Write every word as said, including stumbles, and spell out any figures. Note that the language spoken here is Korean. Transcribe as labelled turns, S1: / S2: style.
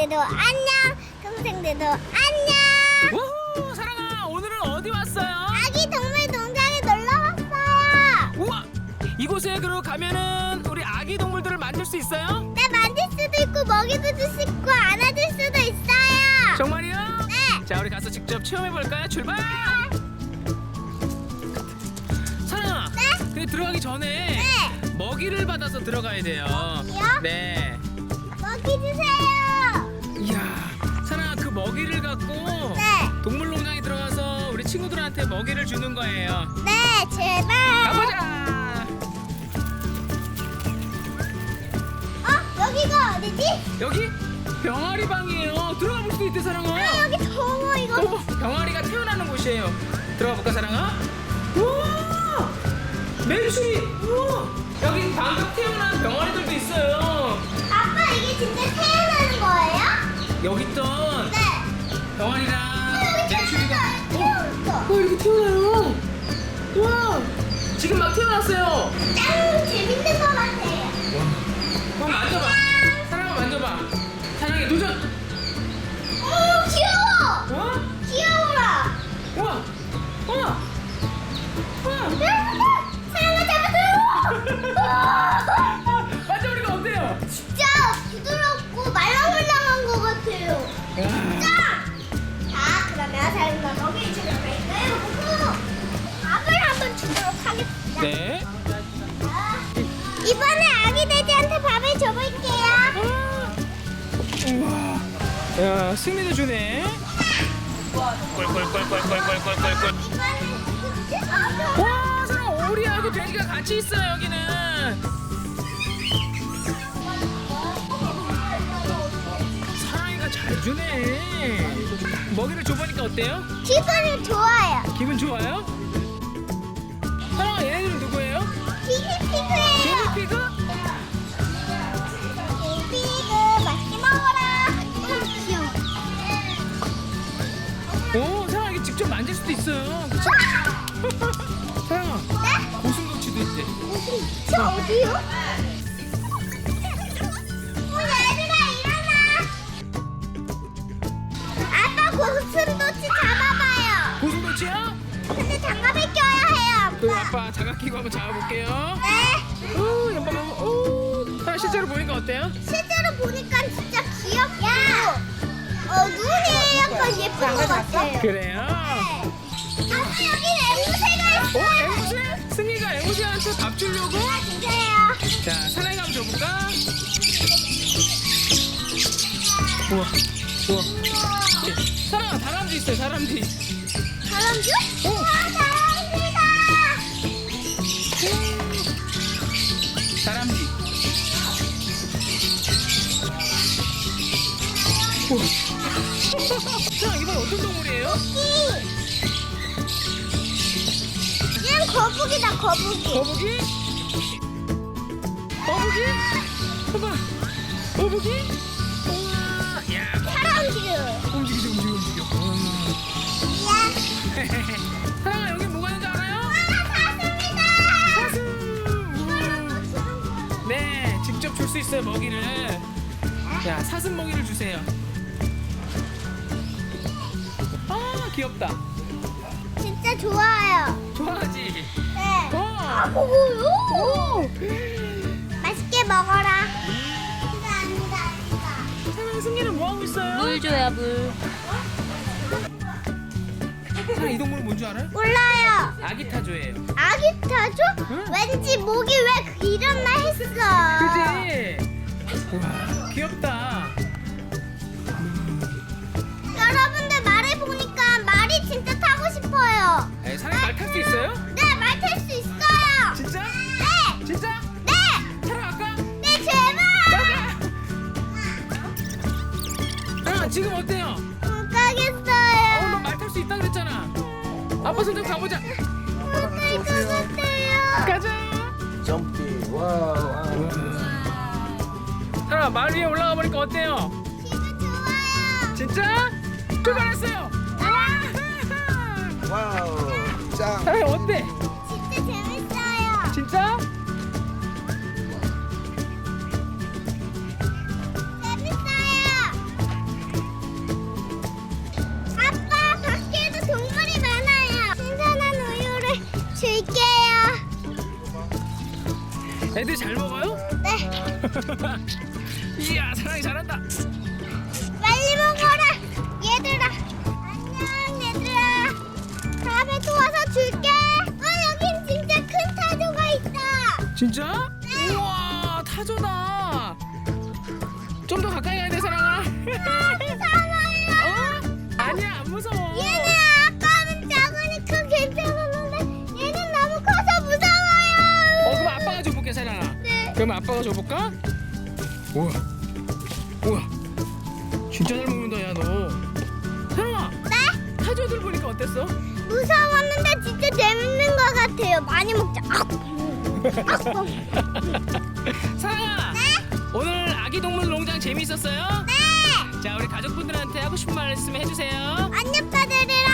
S1: 동생들도 안녕. 동생들도 안녕.
S2: 우후, 사랑아, 오늘은 어디 왔어요?
S1: 아기 동물 농장에 놀러 왔어요.
S2: 우와, 이곳에 그럼 가면은 우리 아기 동물들을 만질 수 있어요?
S1: 네, 만질 수도 있고 먹이도 줄 수 있고 안아줄 수도 있어요.
S2: 정말이요?
S1: 네.
S2: 자, 우리 가서 직접 체험해 볼까요? 출발! 사랑아,
S1: 네?
S2: 근데 들어가기 전에
S1: 네.
S2: 먹이를 받아서 들어가야 돼요.
S1: 먹이요?
S2: 네.
S1: 먹이 주세요.
S2: 이야, 사랑아, 그 먹이를 갖고
S1: 네.
S2: 동물농장에 들어가서 우리 친구들한테 먹이를 주는 거예요.
S1: 네, 제발.
S2: 가보자!
S1: 어, 여기가 어디지?
S2: 여기 병아리 방이에요. 들어가 볼 수도 있대, 사랑아.
S1: 아, 여기 더워 이거.
S2: 어, 병아리가 태어나는 곳이에요. 들어가 볼까, 사랑아? 우와! 매출이! 우와! 여기 방금 태어난 병아리들도 있어요.
S1: 아빠, 이게 진짜 태어나는 거예요?
S2: 여기 있던
S1: 네.
S2: 병아리랑
S1: 여기
S2: 매출이가
S1: 태어났어.
S2: 어, 이렇게 태어나요. 우와! 지금 막 태어났어요.
S1: 짱 재밌는 것 같아요.
S2: 한번 만져봐. 사랑아, 만져봐. 사랑이 도전!
S1: 오, 귀여워.
S2: 우와!
S1: 귀여워라.
S2: 우와! 우와! 우와!
S1: 사랑아 잡았어요.
S2: 만져보니까 어때요?
S1: 진짜 부드럽고 말랑말랑한 것 같아요.
S2: 야.
S1: 짱. 자, 그러면 사랑과 먹이를 주러 갈까요? 보고 밥을 한번 주도록 하겠습니다.
S2: 네.
S1: 자, 이번에 아기 돼지한테 밥을 줘볼게요.
S2: 우와. 야, 승리도 주네. 꿀꿀꿀꿀꿀꿀꿀꿀꿀.
S1: 이번에
S2: 와, 사람 오리하고 돼지가 같이 있어요, 여기는. 사랑이가 잘 주네. 먹이를 줘보니까 어때요?
S1: 기분이 좋아요.
S2: 기분 좋아요? 사랑아, 얘네들은 누구예요?
S1: 기니피그예요.
S2: 기니피그?
S1: 기니피그 맛있게 먹어라. 음, 귀여워.
S2: 오, 사랑아, 이게 직접 만질 수도 있어요. 그치? 사랑아,
S1: 네?
S2: 고슴도치도 있대.
S1: 저 어디요? 어, 얘들아 일어나. 아빠 고슴도치 잡아봐요.
S2: 고슴도치야?
S1: 근데 장갑을 껴야 해요,
S2: 그
S1: 아빠.
S2: 아빠 장갑 끼고 한번 잡아볼게요.
S1: 네.
S2: 오, 연방 한번. 오, 사랑 실제로 보니까 어때요?
S1: 실제로 보니까 진짜 귀엽고 어, 눈이 약간 예쁜 것 같아요.
S2: 그래요?
S1: 네. 아빠 여기 앵무새가
S2: 어,
S1: 있어요.
S2: 앵무새? 승희가 앵무새한테 밥 주려고?
S1: 주세요.
S2: 자, 사랑이 한번 줘볼까? 우와, 우와. 예, 사랑아, 다람쥐 있어요, 다람쥐.
S1: 다람쥐?
S2: 어.
S1: 우와, 다람쥐다.
S2: 다람쥐. 우와. 사랑, 이건 어떤 동물이에요?
S1: 얘는 거북이다, 거북이.
S2: 거북이? 거북이? 봐봐. 거북이? 우와. 야,
S1: 다람쥐.
S2: 움직이죠, 움직여, 움직여. 우와.
S1: 야.
S2: 사랑아, 여기 뭐가 있는지 알아요?
S1: 사슴이다.
S2: 사슴. 우와. 네, 직접 줄 수 있어요, 먹이를. 자, 사슴 먹이를 주세요. 아, 귀엽다.
S1: 진짜 좋아요.
S2: 좋아하지?
S1: 네.
S2: 어.
S1: 먹어요. 맛있게 먹어라. 이거 아니다, 아니다.
S2: 사랑, 승리는 뭐 하고 있어요?
S3: 물 줘야 물.
S2: 사랑, 이 동물은 뭔지 알아요?
S1: 몰라요.
S2: 아기 타조예요.
S1: 아기 타조?
S2: 응?
S1: 왠지 목이 왜 이랬나 했어.
S2: 그지? 우와, 귀엽다.
S1: 여러분들 말해 보니까 말이 진짜 타고 싶어요.
S2: 에, 사랑 말 탈 수 있어요?
S1: 네, 말 탈 수 있어요.
S2: 진짜?
S1: 네,
S2: 진짜?
S1: 네,
S2: 타러 갈까?
S1: 네, 제발.
S2: 가자! 아, 지금 어때요?
S1: 못
S2: 어,
S1: 가겠어요.
S2: 너 말 탈 수 있다 그랬잖아. 아빠 손 좀 가보자.
S1: 못 갈 것 같아요.
S2: 가자.
S4: 점핑 와우.
S2: 사랑, 말 위에 올라가 보니까 어때요?
S1: 기분 좋아요.
S2: 진짜? 출발했어요.
S4: 와우. 짱.
S2: 사랑, 어때?
S1: 진짜 재밌어요.
S2: 진짜?
S1: 재밌어요.
S2: 애들 잘 먹어요?
S1: 네.
S2: 이야, 사랑이 잘한다.
S1: 빨리 먹어라. 얘들아. 안녕 얘들아. 다음에 또 와서 줄게. 아 여긴 진짜 큰 타조가 있다.
S2: 진짜?
S1: 네.
S2: 우와, 타조다. 좀 더 가까이 가야 돼, 사랑아.
S1: 무서워요.
S2: 어? 아니야, 안 무서워.
S1: 얘는 아까는 작으니까 괜찮았는데 얘는 너무 커서 무서워요.
S2: 어, 그럼 아빠가 줘볼게, 사랑아.
S1: 네.
S2: 그럼 아빠가 줘볼까? 우와, 우와, 진짜 잘 먹는다, 야 너. 사랑아,
S1: 네?
S2: 타조들 보니까 어땠어?
S1: 무서웠는데 진짜 재밌는 것 같아요. 많이 먹자. 아.
S2: 사랑아,
S1: 네?
S2: 오늘 아기 동물 농장 재미있었어요?
S1: 네.
S2: 자, 우리 가족분들한테 하고 싶은 말씀 해주세요.
S1: 안녕, 빠들이